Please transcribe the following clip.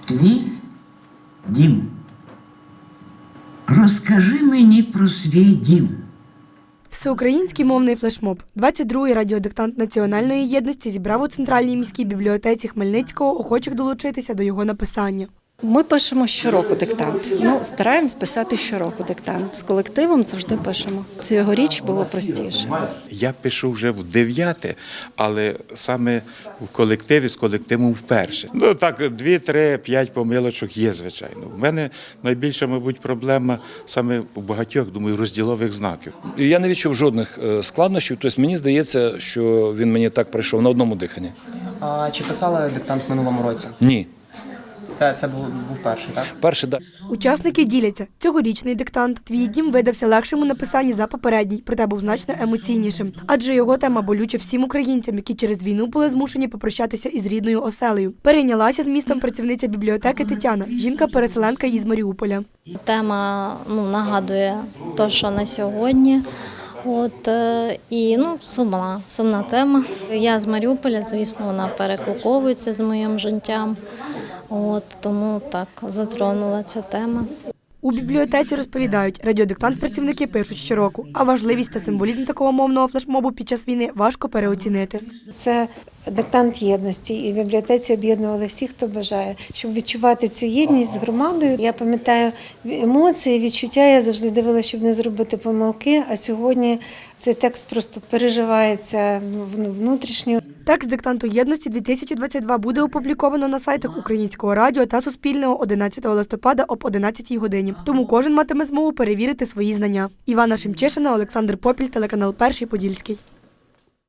Твій дім. Розкажи мені про свій дім. Всеукраїнський мовний флешмоб. 22-й радіодиктант Національної єдності зібрав у Центральній міській бібліотеці Хмельницького охочих долучитися до його написання. Ми пишемо щороку диктант. Стараємось писати щороку диктант. З колективом завжди пишемо. Цьогоріч було простіше. Я пишу вже в 9, але саме в колективі, з колективом вперше. Так, 2, 3, 5 помилочок є, звичайно. У мене найбільша, мабуть, проблема саме у багатьох, думаю, розділових знаків. Я не відчув жодних складнощів, тобто мені здається, що він мені так прийшов на одному диханні. А чи писали диктант в минулому році? Ні. Це був перший, так? Перший, так. Учасники діляться. Цьогорічний диктант «Твій дім» видався легшим у написанні за попередній, проте був значно емоційнішим. Адже його тема болюча всім українцям, які через війну були змушені попрощатися із рідною оселею. Перейнялася змістом працівниця бібліотеки Тетяна, жінка-переселенка із Маріуполя. Тема нагадує те, що на сьогодні. Сумна тема. Я з Маріуполя, звісно, вона перекликовується з моїм життям. Тому так затронула ця тема. У бібліотеці розповідають, радіодиктант працівники пишуть щороку, а важливість та символізм такого мовного флешмобу під час війни важко переоцінити. Це диктант єдності, і в бібліотеці об'єднували всіх, хто бажає, щоб відчувати цю єдність з громадою. Я пам'ятаю емоції, відчуття, я завжди дивилася, щоб не зробити помилки, а сьогодні цей текст просто переживається внутрішньо. Текст диктанту єдності-2022 буде опубліковано на сайтах Українського радіо та Суспільного 11 листопада об 11 годині. Тому кожен матиме змогу перевірити свої знання. Івана Шемчишина, Олександр Попіль, телеканал Перший Подільський.